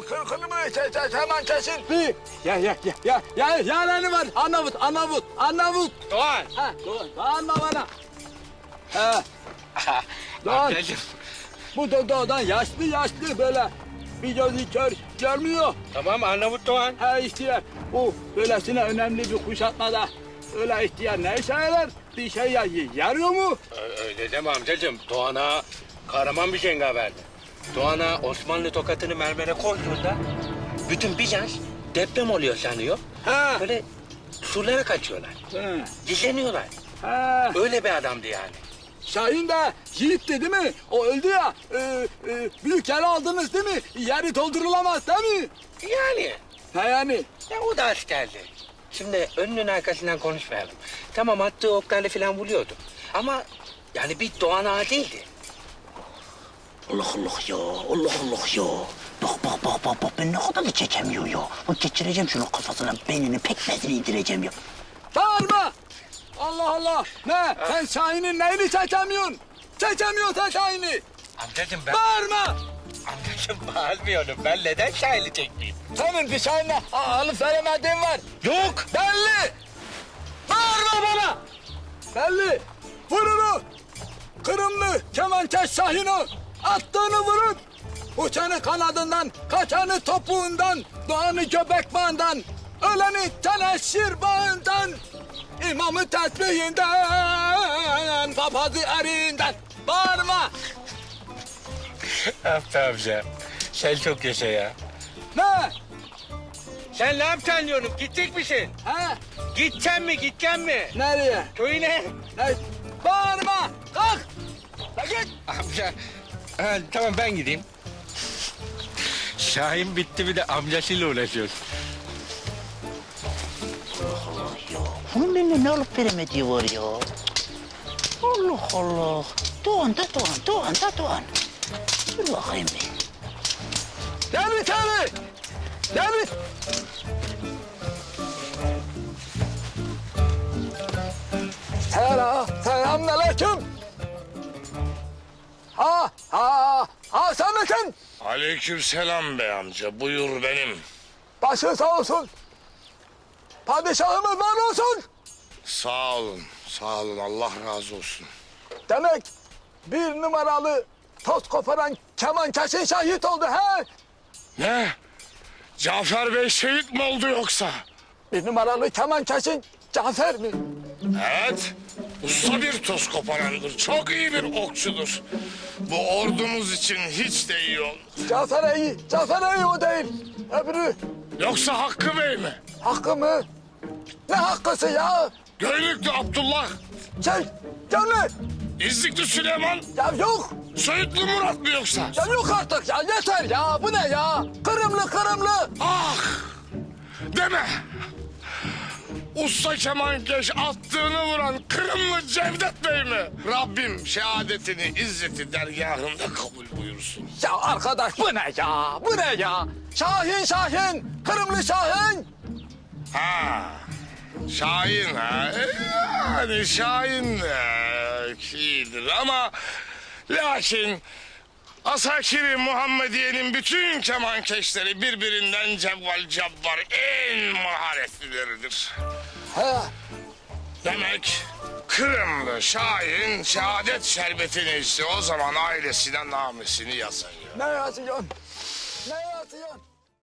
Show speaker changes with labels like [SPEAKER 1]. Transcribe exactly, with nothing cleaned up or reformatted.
[SPEAKER 1] kırkını mı hemen kesin?
[SPEAKER 2] Bir, ya ya ya ya ya yalanı var. Arnavut, Arnavut, Arnavut.
[SPEAKER 3] Doğan.
[SPEAKER 2] Ha, Doğan, bağırma bana. Ha, Doğan.
[SPEAKER 3] Amcacığım.
[SPEAKER 2] Bu da doğudan yaşlı yaşlı böyle bir gözü kör görmüyor.
[SPEAKER 3] Tamam Arnavut Doğan.
[SPEAKER 2] Ha ihtiyar, bu böylesine önemli bir kuşatmada öyle ihtiyar ne işe yarar? Bir şey ya, yarıyor mu?
[SPEAKER 3] Ö- Öyle deme amcacığım. Doğan'a kahraman bir cengaverdi. Doğan'a Osmanlı tokatını mermere koyduğunda bütün Bizans deprem oluyor sanıyor.
[SPEAKER 2] Ha,
[SPEAKER 3] Böyle surlara kaçıyorlar.
[SPEAKER 2] ha,
[SPEAKER 3] Gizleniyorlar.
[SPEAKER 2] ha.
[SPEAKER 3] Öyle bir adamdı yani.
[SPEAKER 2] Şahin de yiğitti değil mi? O öldü ya. E, e, büyük yer aldınız değil mi? Yeri doldurulamaz değil mi?
[SPEAKER 3] Yani.
[SPEAKER 2] Ha yani.
[SPEAKER 3] Ya o da askerdi. Şimdi önünün arkasından konuşmayalım. Tamam attığı oklarla falan vuruyordu. Ama yani bir Doğan ağa değildi.
[SPEAKER 4] Allah Allah ya, Allah Allah ya. Bak bak bak bak bak ben ne kadar da çekemiyor ya. Bak geçireceğim şunun kafasına, beynini, pekmezini indireceğim ya.
[SPEAKER 2] Bağırma! Allah Allah! Ne? Sen Şahin'in neyini çekemiyorsun? Çekemiyorsun sen Şahin'i!
[SPEAKER 3] Amcacığım ben...
[SPEAKER 2] Bağırma!
[SPEAKER 3] Amcacığım bağırmıyorum. Ben neden şahili çekmeyeyim?
[SPEAKER 2] Senin bir Şahin'e alıp veremediğin var.
[SPEAKER 3] Yok.
[SPEAKER 2] Belli! Bağırma bana! Belli! Vur onu! Kırımlı kemençeş Şahin'i attığını vurup uçanı kanadından, kaçanı topuğundan, doğanı göbek bağından, öleni teneşir bağından, imamı tesbihinden, papazı erinden. Bağırma!
[SPEAKER 3] Abdi amca. Sen çok yaşa ya.
[SPEAKER 2] Ne?
[SPEAKER 3] Sen ne yapacaksın diyorum? Gidecek misin?
[SPEAKER 2] He?
[SPEAKER 3] Gideceksin mi? Gideceksin mi?
[SPEAKER 2] Nereye?
[SPEAKER 3] Köyüne.
[SPEAKER 2] Ne? Bağırma! Kalk! Kalk git!
[SPEAKER 3] Amca. Ha, tamam ben gideyim. Şahin bitti bir de amcasıyla uğraşıyoruz.
[SPEAKER 4] Allah ya, bunun benimle ne alıp veremediği var ya. Allah Allah. Doğan da Doğan, Doğan da Doğan. Dur bakayım bir.
[SPEAKER 2] Gel bir tane! Gel bir... Selam, selamünaleyküm. Ha, ha, ha sen misin?
[SPEAKER 5] Aleykümselam bey amca. Buyur benim.
[SPEAKER 2] Başın sağ olsun. Padişahımız var olsun.
[SPEAKER 5] Sağ olun. Sağ olun. Allah razı olsun.
[SPEAKER 2] Demek bir numaralı toz koparan kemançeşin şahit oldu he?
[SPEAKER 5] Ne? Cafer Bey şehit mi oldu yoksa?
[SPEAKER 2] Bir numaralı kemançeşin Cafer mi?
[SPEAKER 5] Evet. Usta bir toz koparandır. Çok iyi bir okçudur. Bu ordumuz için hiç de iyi oldu.
[SPEAKER 2] Cafer iyi, Cafer iyi o değil. Öbürü
[SPEAKER 5] Yoksa Hakkı Bey mi?
[SPEAKER 2] hakkı mı? Ne hakkısı ya?
[SPEAKER 5] Göynüklü Abdullah.
[SPEAKER 2] Şey, canlı.
[SPEAKER 5] İznikli Süleyman.
[SPEAKER 2] Ya yok.
[SPEAKER 5] Söğütlü Murat mı yoksa?
[SPEAKER 2] Ya yok artık ya yeter ya. Bu ne ya? Kırımlı kırımlı.
[SPEAKER 5] Ah! Deme! Usta kemankeş attığını vuran Kırımlı Cevdet Bey mi? Rabbim şehadetini izzeti dergahında kabul buyursun.
[SPEAKER 2] Ya arkadaş bu ne ya? Bu ne ya? Şahin Şahin. Kırımlı Şahin.
[SPEAKER 5] Ha, Şahin ha. E, Yani Şahin de iyidir ama lakin Asakiri Muhammediye'nin bütün kemankeşleri birbirinden cevval cabbar en maharetlileridir.
[SPEAKER 2] He.
[SPEAKER 5] Demek Kırımlı Şahin şehadet şerbetini içti. O zaman ailesine namesini yazıyor.
[SPEAKER 2] Ne yazıyorsun? Ne yazıyorsun?